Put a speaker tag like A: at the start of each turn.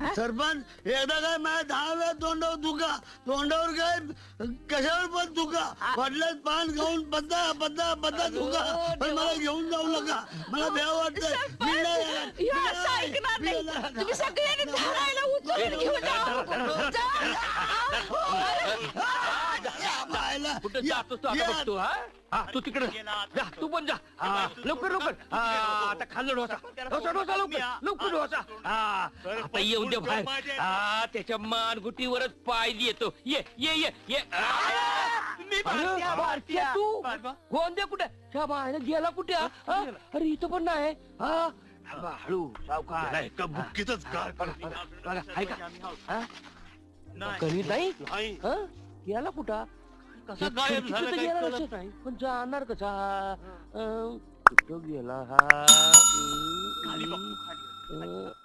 A: सरपंच एकदा काय माझ्या 10 वेळा तोंडावर दुखा, तोंडावर काय कशावर पण दुखा, वडिलात पान खाऊन बद्दा बद्दा बद्दा दुखा, पण मला घेऊन जाऊ नका, मला भ्या वाटतंय. मी नाही येणार.
B: तुम्ही सगळ्यांनी धरायला उचलून घेऊन
C: कुठे जातो तू आता बघतो? हा तू तिकडे जा, तू पण जा. लवकर लवकर. आता खाल्लं डोसा डोसा डोसा लवकर लवकर डोसा. आता येऊन दे बाहेर. त्याच्या मानगुटीवरच पाय येतो. ये ये ये ये. भारतीय तू गोंदे कुठे? त्या बाहेर गेला कुठे? अरे इथं पण नाही. हळू सावकार.
D: एका बुक्कीतच गाळ
C: गणित नाही गेला कुठं?
D: कसा गायब झाला काही कळत
C: नाही. पण जाणार कसा? कुठं गेला हा?
D: खाली बघतो खाली.